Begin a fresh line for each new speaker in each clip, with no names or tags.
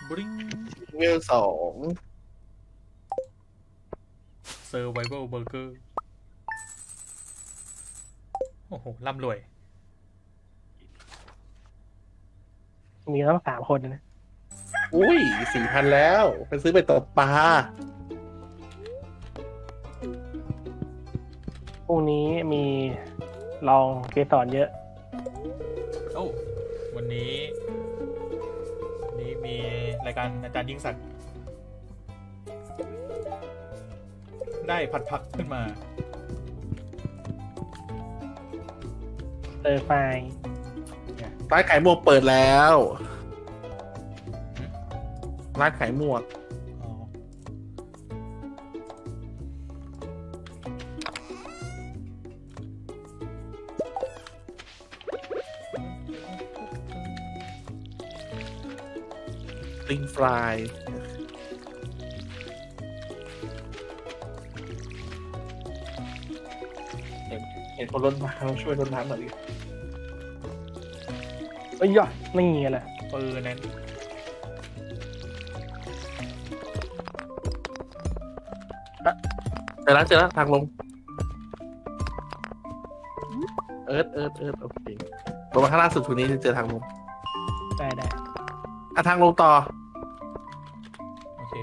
บริง
เวล2
Survival Burger โอ้โหร่ำรวย
มีต้อง3 คนนะ
อุ้ย4,000แล้วไปซื้อไปตกปลา
พรุ่งนี้มีลองเกสรเยอะ
โอ้วันนี้มีรายการอาจารย์ยิ่งศักดิ์ได้ผัดผักขึ้นมา
เตอร์ไฟ
ร้านขายหมวกเปิดแล้วร้านขายหมวก
อ๋อ
ลิงฟรายเห็นคนรถน้ำช่วยรถน้ำหน่อยดิ
เอ้ยย่อไม่เงี้ยแหละ
ปืนนั้น
เจอแล้วทางลงเอิร์ธโอเคลงมาข้างล่างสุดทุนนี้จะเจอทางลง
ได้
ทางลงต่อ
โอเค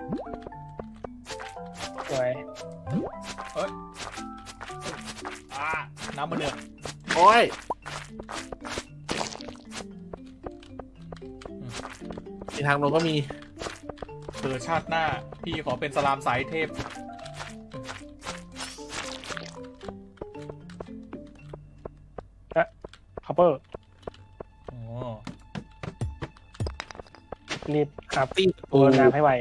สวย
น้ำมันเดือด
โอ้ยมีทางลงก็มี
ชาติหน้า พี่ขอเป็นสลามสายเทพ
คัพเปอร์
อ๋อ
รีบครับ
ตี
โดนน้ำให้ไว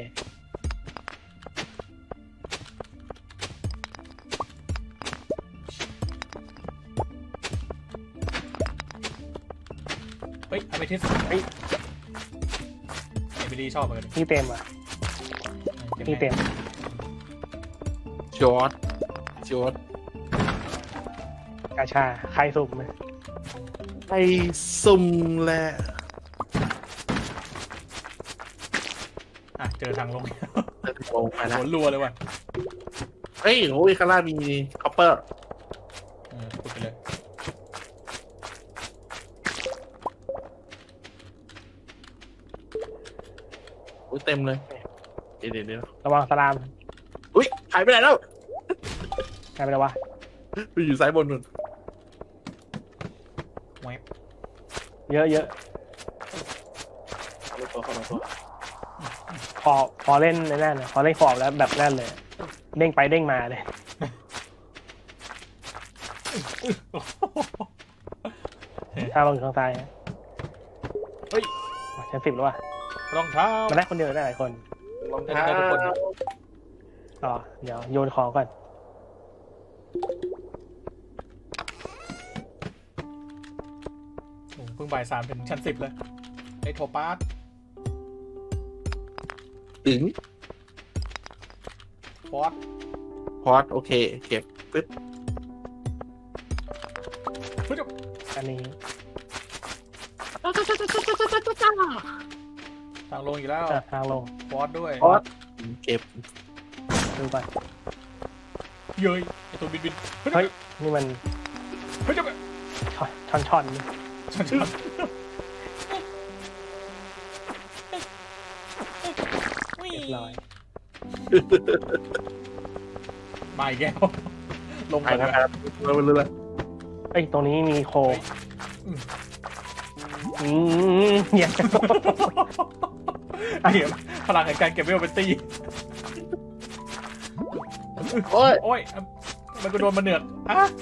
เฮ้ยอเมทิสเฮ้ยเอมิลี่ชอบเหมือนกัน
นี่เต็มอ่ะนี่เต็ม
จอร์ด
กาชาใครสุ่มไหม
ไปซุ่มแหละ
เจอทางลง
ลงไปแล้ว
หัวรัวเลยว่ะ
เฮ้ยโอ้ยข้างล่างมีคอปเปอร์
พูดไปเลย
โอ้ยเต็มเลยเดี๋ยว
ระวังสลาม
อุ้ยหายไปไหนแล้ว
ใครไปแล้ววะ
ไปอยู่ซ้ายบนนู่น
แวบ
เยอะ
เอาไปตัวเข้ามาตัว
พอเล่นในนั่นพอเล่นขอบแล้วแบบนั่นเลย เด้งไปเด้งมาเลยถ้าลงอยู่ข้างซ้าย
เฮ้ย
ชั้น 10แล้วว่ะ
รองเท้า
มาได้คนเดียวได้หลายคน
รองเท้า
ได้ทุกคน
ต่อเดี๋ยวโยนของก่อน
โอ้เพิ่งบ่าย3ถึงชั้น10เลยไอ้โทปาส
ถึง
ฟอส
พอดโอเคเก็บปึ๊บ
อันนี้
ทางลงอีกแล้ว
ทางลง
ฟอสด้วย
พอดเก็บ
ดูก่อน
เย้ยไอ้ตัวบิน
เฮ้ยนี่มัน
เฮ้ยจะไป
ช่อนนี่
ฉัน
เรียบร้อย
มาอีกแล้วลง
ไป
ไป
นะ
แล้ว
ครับเราไปเรื่อย
เอ้ยตรงนี้มีโคเหี้ย
เดี๋ยวพลังแห่งการเก็บเวลเป็นตี
โอ้ย
โอ้ยมันก็โดนมาเหนือก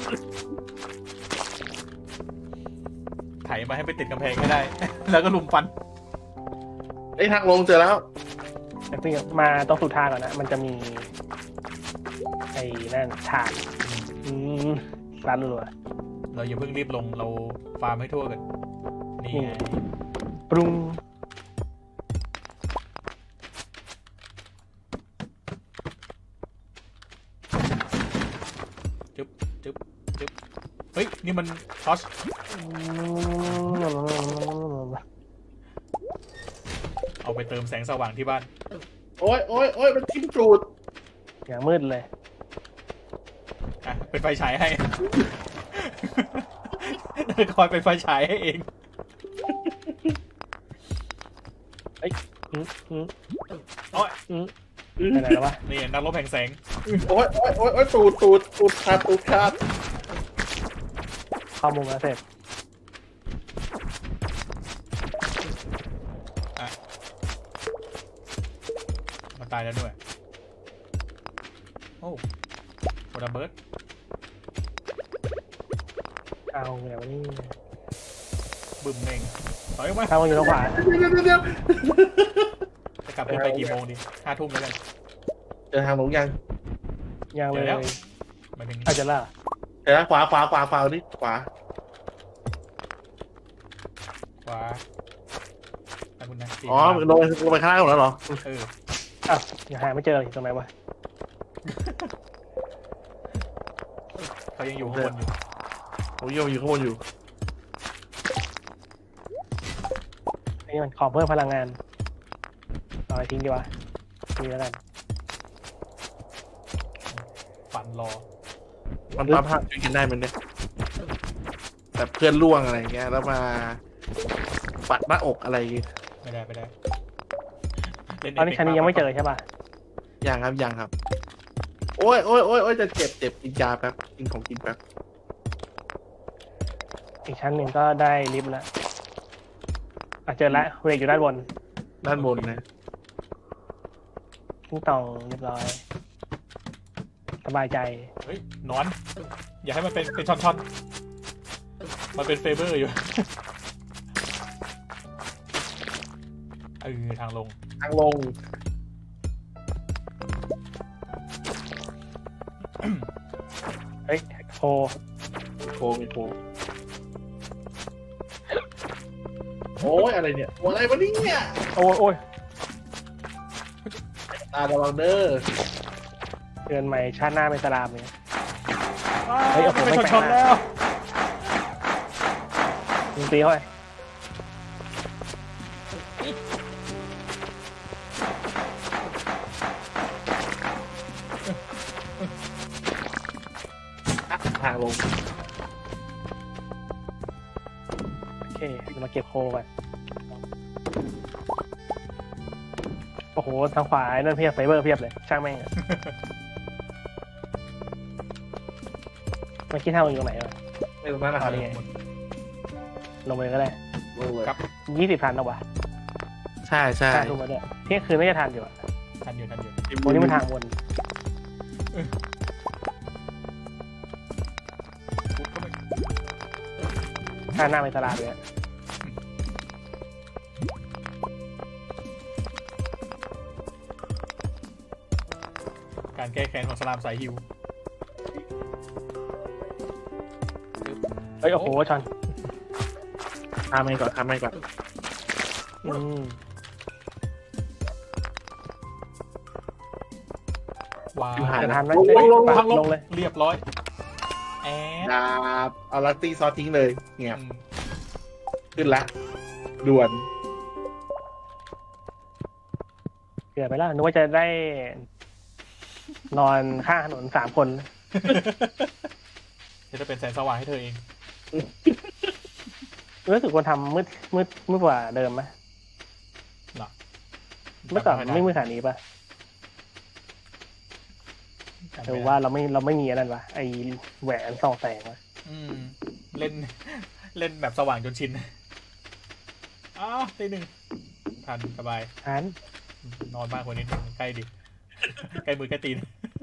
ไถมาให้ไปติดกำแพงให้ได้ แล้วก็ลุมฟัน
ไอ้ทางลงเจอแล้ว
แต่เพิ่งมาต้องสุดทางก่อนนะมันจะมีไอ้นั่นฉากร้านรัว
เราอย่าเพิ่งรีบลงเราฟาร์มให้ทั่วกันนี่ไง
ปรุง
จึ๊บเฮ้ยนี่มันทอชเอาไปเติมแสงสว่างที่บ้าน
โอ้ยโอ้ยโอ้ยมันทิ่มจูด
อย่างมืดเลย
อ่ะเป็นไฟฉายให้ คอยเป็นไฟฉายให้เอง
อืมอืม
โอ้ย
อืมไปไหนแล้ววะ
นี่นักรบแห่งแสง
โอ้ยโอ้ยโอ้ยโอ้ยตูดขาดตูดขาด
เข้ามุมแล้วเสร็จ
มันตายแล้วด้วยโอ้โหระเบิด
เอาเดี๋ยวนี่
บึ้มเองถอยออกมา
ถ้ามันอยู่ตรงขวา
เดี๋ยว
จะกลับไปกี่โมงดี5 ทุ่มแล้วกัน
เจอทางลงยัง
ยังเลย
เดี๋ยวแล้ว หมายถึง
อาจจะล่ะ
เดี๋ยวนะขวานี่ขวา
ขวาขอบคุณนะ
อ๋อลงไปข้างล่างหมดแล้วเหรอ
เออ
อ้าวยังหาไม่เจออยู่ตรงไหนวะ
เขายังอยู่ข้างบนอยู่
ผมยังอยู่ข้างบนอยู่
นี่มันขอเพิ่มพลังงานเอาไปทิ้งดีกว่านี่แล้วกัน
ปั่นรอ
มันปั๊มภาพช่วยกันได้มันเนี่ยแบบเพื่อนล่วงอะไรเงี้ยแล้วมาปัดหน้าอกอะไรอย่างเงี้ย
ไม่ได้เล่น
ตอนนี้ชั้นนี้ยังไม่เจอใช่ป่ะ
ยังครับ โอ้ยจะเจ็บกินยาแป๊บกินของกินแป๊บ
อีกชั้นหนึ่งก็ได้ลิฟต์แล้วเจอละเวกอยู่ด้านบน
ด้านบนนะ
ทิ้งต่องเรียบร้อยสบายใจ
เฮ้ยนอน อย่าให้มันเป็นช่อนๆมันเป็นเฟเบอร์อยู่ ทางลง
ทางลง
เฮ้ยโค
มีโคโอ้ยอะไรเนี่ยโอ้ยอะไรวะเนี่ย
โอ้ย
ตาระวังเด้อ
เดือนใหม่ชาติหน้าเป็นสลามเนี่ย
เฮ้ยเป็นช่อนๆแล้ว
ยิงตีเข้าไป
ทางลง
โอเคเดี๋ยวมาเก็บโคก่อนโอ้โหทางขวาไอ้นั่นเพียบไฟเบอร์เพียบเลยช่างแม่งอะมันคิดเท่าอยู่ตรงไหนวะ
ไม่ตรงนั้นนะครับ
นี่ไง ลงไปเลยก็ได้
ลงเลย
ครับ
20 ทันแล้ววะ
ใช่
5 ทุ่มแล้วเนี่ยเที่ยงคืนน่าจะทันอยู่อะ
ทันอยู่
วันนี้มันทางวน
ปุ๊บก็ไม่
ชาติหน้าเป็นสลามเลยอะ
การแก้แค้นของสลามสายฮิว
เฮ้ยโอ้โหชอน
ข้ามไปก่อน
อืม
ว้าว
อยู่ห่าง
จะ
นะ
ทันไหม
ลง
พัง
ลงเลย
เรียบร้อยแอด
ดาบเอาลัตตี้ซอสทิ้งเลยเงียบ
อืม
ขึ้นละด่วน
เกือบไปแล้วนึกว่าจะได้ นอนข้างถนน3 คน
จะเป็นแสงสว่างให้เธอเอง
รู้สึกว่าทำมืดกว่าเดิมไหม
หรอ
เมื่อก่อนไม่มืดขนาดนี้ป่ะหรือว่าเราไม่มีอันนั้นวะไอแหวนส่องแสงวะ
อืมเล่นแบบสว่างจนชินอ้าวตี 1ทันสบาย
อัน
นอนมากกว่านี้ใกล้ดิ ใกล้มือใกล้ตีน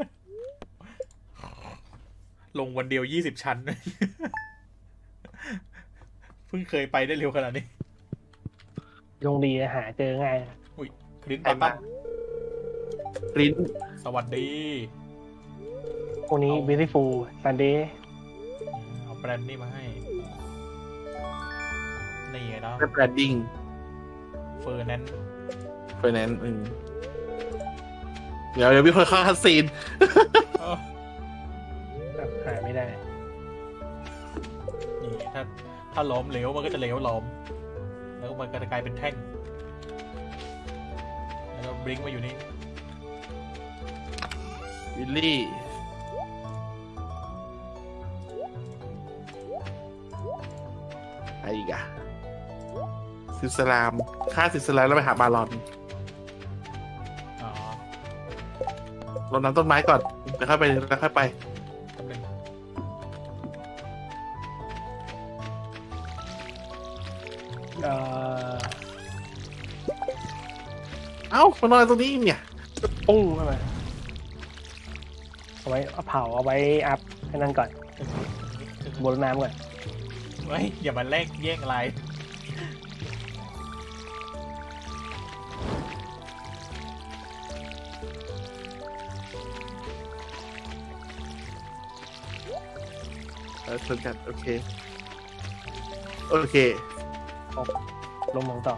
ลงวันเดียว20 ชั้น เพิ่งเคยไปได้เร็วขนาดนี้
ยงดีหาเจอง่าย
อุ้ยคลินไททัน
กลิ้น
สวัสดี
พวกนี้ beautiful Sunday
เอาแบรนด์นี่มาให้ นี่ไงเนาะ
แบรดดิ้ง
เฟอร์แนนซ์
ไฟแนนซ์เดี๋ยวมีคนเข้าคัสซีน
หาไม่ได้
นี่ถ้าล้อมเหลวมันก็จะเหลวล้อม แล้วมันก็จะกลายเป็นแท่งบลิงก์มาอยู่นี่
วิลลี่อะไรอีกอะซิสลามฆ่าซิสลามแล้วไปหาบารอน
อ๋อ
รดน้ำต้นไม้ก่อนแล้วค่อยไปแล้วค่อยไป
แป๊บนึง
เอ่อ
เอ้ามานอนตรงนี้เนี่ย
ปุ้งเข้ามาเอาไว้เอาเผาเอาไว้อัพให้นั่นก่อนบนน้ำก่อน
เฮ้ยอย่ามาแลกแย่งอะไร
ชนกันโอเคโอเค
ลงหมองต่อ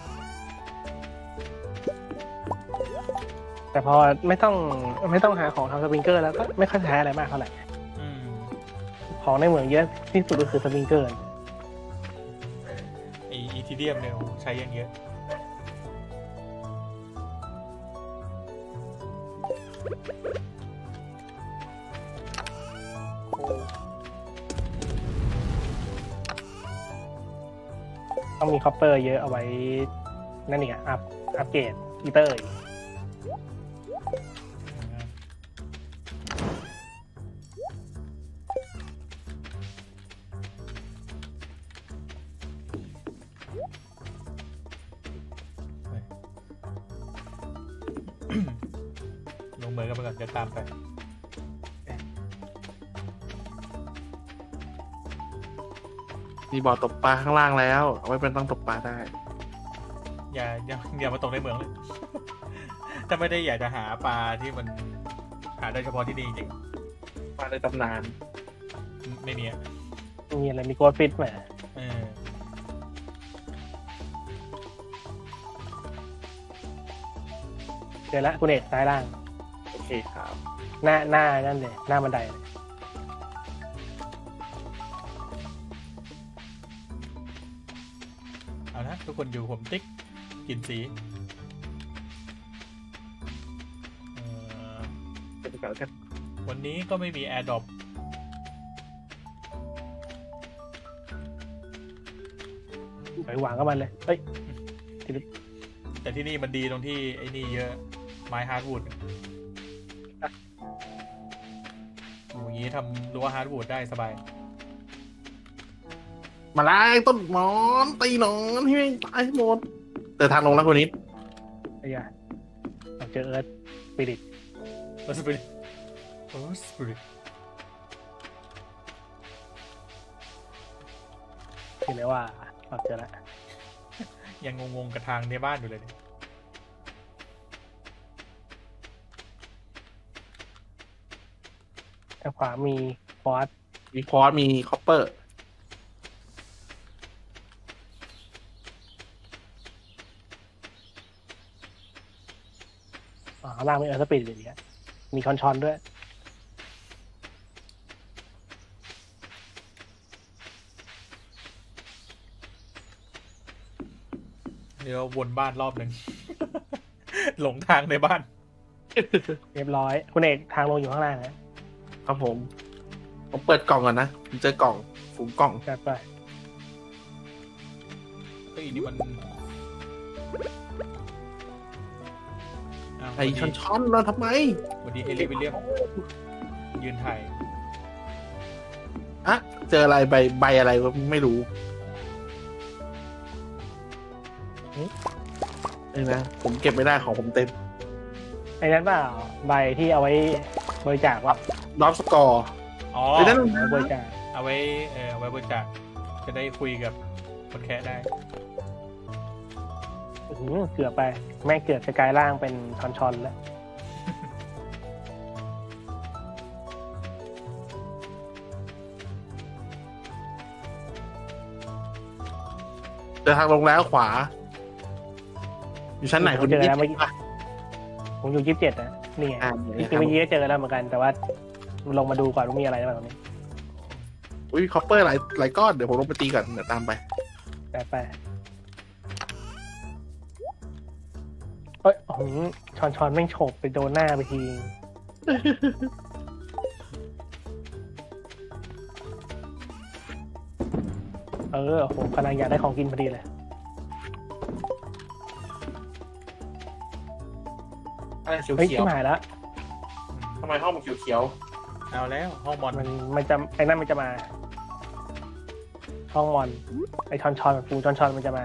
แต่พอไม่ต้องหาของทำสปริงเกอร์แล้วก็ไม่ค่อยใช้อะไรมากเท่าไหร่
อืม
ของในเหมืองเยอะที่สุดก็คือสปริงเกอร์
ไออีทีเดียมเนี่ยใช้ยังเยอะ
ต้องมีคอปเปอร์เยอะเอาไว้นั่นอีกอะอัปเกรดอีเตอร์อีก
ลงมือกันไปก่อนจะตามไป
มีบ่อตกปลาข้างล่างแล้วเอาไว้เป็นต้องตกปลาได้
อย่ามาตกในเหมืองเลย ถ้าไม่ได้อยากจะหาปลาที่มันหาได้เฉพาะที่นี่จริง
ปลาในตำนาน
ไม่มีอะ
มีอะไรมีโกดฟิตไหม
เออ
เจอละคุณเอกซ้ายล่าง
โอเคครับ
หน้านั่นเลยหน้าบันไดเลย
เอาละทุกคนอยู่ผมติ๊กกินสีเอ่อ
เป็นก่อนแล้วกัน
วันนี้ก็ไม่มีแอร์ดรอป
ไปวางก็มันเลยเฮ้ย
แต่ที่นี่มันดีตรงที่ไอ้นี่เยอะไม้ฮาร์ดวูดอย่างนี้ทำรั้วฮาร์ดวูดได้สบาย
มาไล่ต้นหมอนตีหนอนให้แม่งตายให้หมดเดินทางลงแล้วคนนี้
ไอ้ยาเราเจอเอิร์ธสปิริต
โอ้สปิริตโอ้สปิริต
เห็นไหมว่าเราเจอแล้ว
ยังงงๆกับทางในบ้านอยู่เลยเนี่ย
ทางขวามีฟอส
มีคอร์สมีคอปเปอร์
ข้างล่างมีเอิร์ธสปิริตอยู่เนี่ยมีคอนชอนด้วย
เดี๋ยววนบ้านรอบหนึ่ง หลงทางในบ้าน
เรียบร้อยคุณเอกทางลงอยู่ข้างล่างนะครับ
ผมเปิดกล่องก่อนนะผมเจอกล่องฝูงกล่อง
จัดไป
เฮ้ยนี่มันาว
ไอ้ช้อนๆเราทำไม
วันนี้เฮลิวิลเลียมยืนถ่าย
อะเจออะไรใบอะไรก็ไม่รู้นี่นะผมเก็บไม่ได้ของผมเต็ม
ไอ้นั้นเปล่าใบที่เอาไว้บริจาคว่า
ดอฟสกอร์
อ๋อ
ไอ้นั่น
บริจาค
เอาไว้เอาไว้บริจาคจะได้คุยกับคนแคะได้
เกือบไปแม่งเกือบจะกลายร่างเป็นคอนชอนแล้ว
เดินทางลงแล้วขวา อยู่ชั้นไหน
ผมเจอแล้วเมื่อกี้ผมอยู่27นะนี่ไง
อ่า
จริงๆเมื่อกี้ก็เจอแล้วเหมือนกันแต่ว่าลงมาดูก่อนว่ามีอะไรบ้างตรงนี้
อุ้ยคอปเปอร์หลายก้อนเดี๋ยวผมลงไปตีก่อนเดี๋ยวตามไป
แต่ไปเอ้ยช้อนแม่งโฉบไปโดนหน้าไปที โอ้โหกำลังอยากได้ของกินพอดีเลย
อะไรเขียว
เฮ้ย
เขีย
ชิ
ว
บหายแล้ว
ทำไมห้องมันเขียวเขียว
เอาแล้วห้องบอล
มันจะไอ้นั่นมันจะมาห้องมอนไอ้ช้อนปูช้อนมันจะมา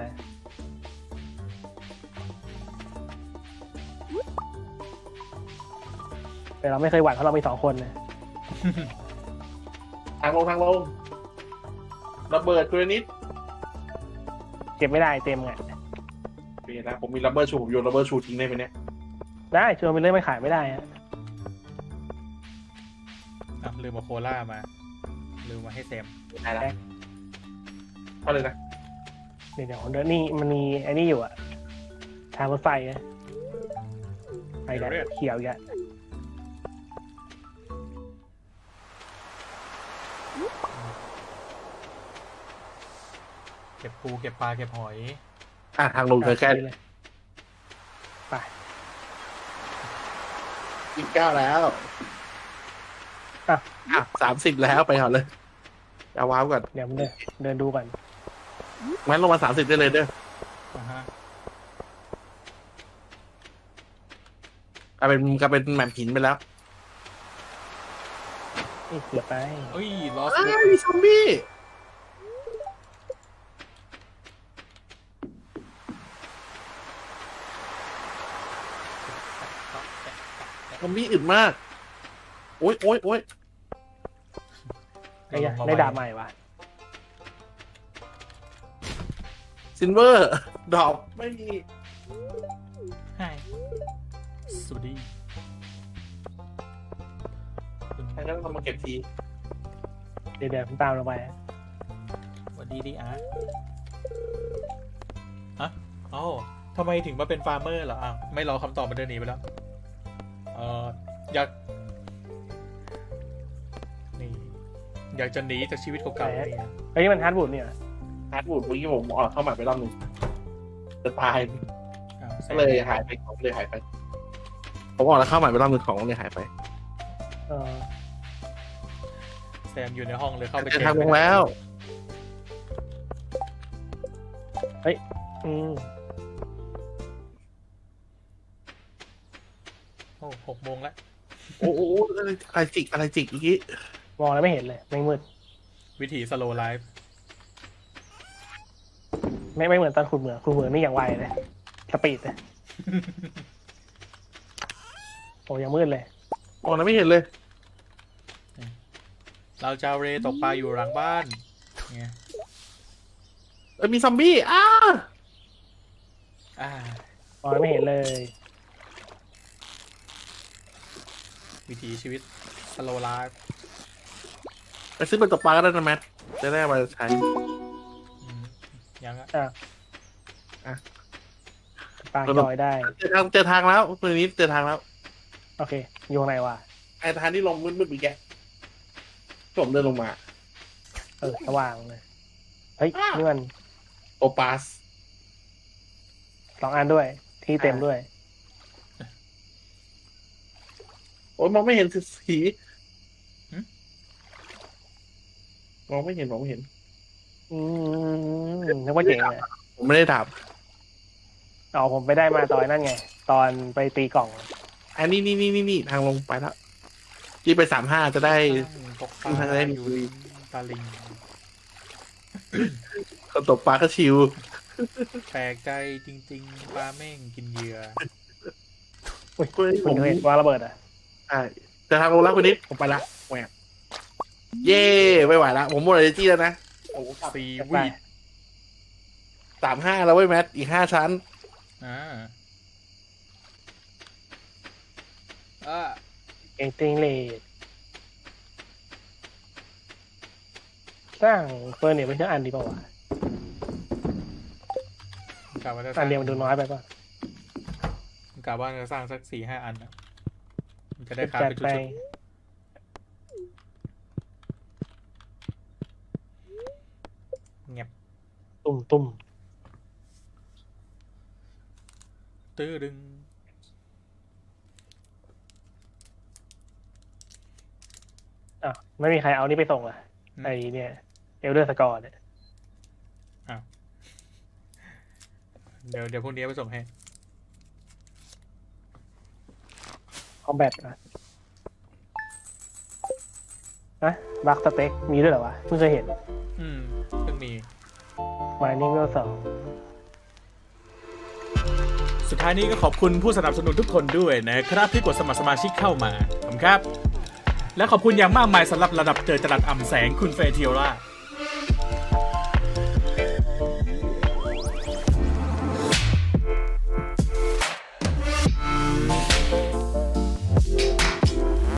แต่เราไม่เคยหวั่นเพราะเรามี2 คนนะ
ทางลงระเบิดกรนิด
เก็บไม่ได้เต็มไง
โอเคนะผมมีระเบิดชูผมโยนระเบิดชูทิ้งได้ไหมเนี่ย
ได้ชวนไปเรื่อยไม่ขายไม่ได้ฮะ
ลืมมาโคล่ามาลืมมาให้แซม
ได้แล้วเอาเลยนะ
เดี๋ยวเดี๋ยวนี่มันมีไอ้นี่อยู่อะทางรถไฟนะไปแล้วเขียวอีกอะ
เก็บปูเก็บปลาเก็บหอย
ทางลงเธอแค่
เลยไป
29แล้ว30แล้วไปก่อนเลยเอาว้าวก่อน
เดี๋ยวมันเดินดูก่อน
งั้นลงมา30ได้เลยเด้อ
อ่าฮะ
กลายเป็นแหม่มหินไปแล้ว
นี่เกือบไป
เอ้ยลอส
มีซอมบี้ซอมบี้อึดมาก โอ๊ย
ได้ดาบใหม่วะ
ซินเวอร์ ดอกไม่มี
ให้สวัสดี
ใครก็ต้องมาเก็บที
เดี๋ยวผมตามลงไป
สวัสดีดิอาร์ฮะอ๋อทำไมถึงมาเป็นฟาร์มเมอร์เหรออ้าวไม่รอคำตอบมาเดินหนีไปแล้วอยากนี่อยากจะหนีจากชีวิตเก่าๆนี่นะ
เฮ้ยมันฮาร์ดบูดเนี่ย
ฮาร์ดวูดเมื่อกี้ผมออกเข้ามาไปรอบหนึงจะตาย
อ้าวแซ
ก็
ม
เลยหายไปของเลยหายไป ผมออกแล้วเข้าใหม่ไปรอบหนึงของเลยหายไป
เออ
แซมอยู่ในห้องเลยเข้าไป
เจอทางลงแล้ว
อืม
โอ้6 โมงแล้ว
โอ้โหอะไรจิกอีกที
มองแล้วไม่เห็นเลยไม่มืด
วิธีสโลไลฟ์
ไม่เหมือนตอนขุดเหมืองนี่อย่างไวเลยสปีดเลยโอ้ยังมืดเลย
มองแล้วไม่เห็นเลย
เราจะเอาเรตกปลาอยู่หลังบ้านไง
มีซอมบี้
อ่าม
องแล้วไม่เห็นเลย
วิถีชีวิตสโลไลฟ์
ไปซื้อเป็นตกปลาก็ได้นะแมทจะได้เอามาใช้
ยังอะ
ปลาจอยได้
เจอทางแล้วตัวนี้เจอทางแล้ว
โอเคอยู่ข้างในวะ
ไอ้ทางที่ลงมืดๆอีกแกผมเดินลงมา
สว่างเลยเฮ้ยนี่มัน
โอปาส
2 อันด้วย ที่เต็มด้วย
โอ้ยมองไม่เห็นสีมองไม่เห็น
อืมนึกว่าเจ๋งเลย
ผมไม่ได้ถาม
อ๋อผมไปได้มาตอนนั่นไง ตอนไปตีกล่อง
อันนี้ทางลงไปแล้วยี่ไป35จะได้
ตกปลา
ทางได้
อยู่ริมตาลิง
คนตกปลาก็ชิว
แปลกใจจริงๆปลาแม่งกินเหยื่อ
อุ้ย
เฮ้ย
คุณเห็นวางระเบิดอ่ะ
ใช่จะทางลงแล้วคุณนิดผมไปละแหวกเย่ไม่ไหวละผมหมดเลยจี้แล้วนะโอ้โห
ซี
ไป
วีด
35แล้วเว้ยแมทอีก5 ชั้น
อ่า
เก่งติงเลดสร้างเฟอร์เนียร์เป็นเชื่ออันดีเปล่าวะ
กะว่าจะส
อั
ร้าน ง
เดียวมันดูน้อยไปป่ะ
กะว่าจะสร้างสัก4-5 อันนะมันจะได้คราฟ
จัด
เป็นชุ
ไป
ดๆเงียบ
ตุ่ม
ตื้อดึง
อ่ะไม่มีใครเอานี่ไปส่งอ่ะไอเนี่ยเอลเดอร์สกอร์เนี่ย
เดี๋ยวพรุ่งนี้ไปส่งให้
คอมแบทนะบัคสเต็กมีด้วยเหรอวะเพิ่งเคยเห็น
เพิ่งมี
มานิ่งเวลสอง
สุดท้ายนี้ก็ขอบคุณผู้สนับสนุนทุกคนด้วยนะครับที่กดสมัครสมาชิกเข้ามาขอบคุณครับ และขอบคุณอย่างมากมายสำหรับระดับเจอจรัสอ่ำแสงคุณเฟรเทียร่า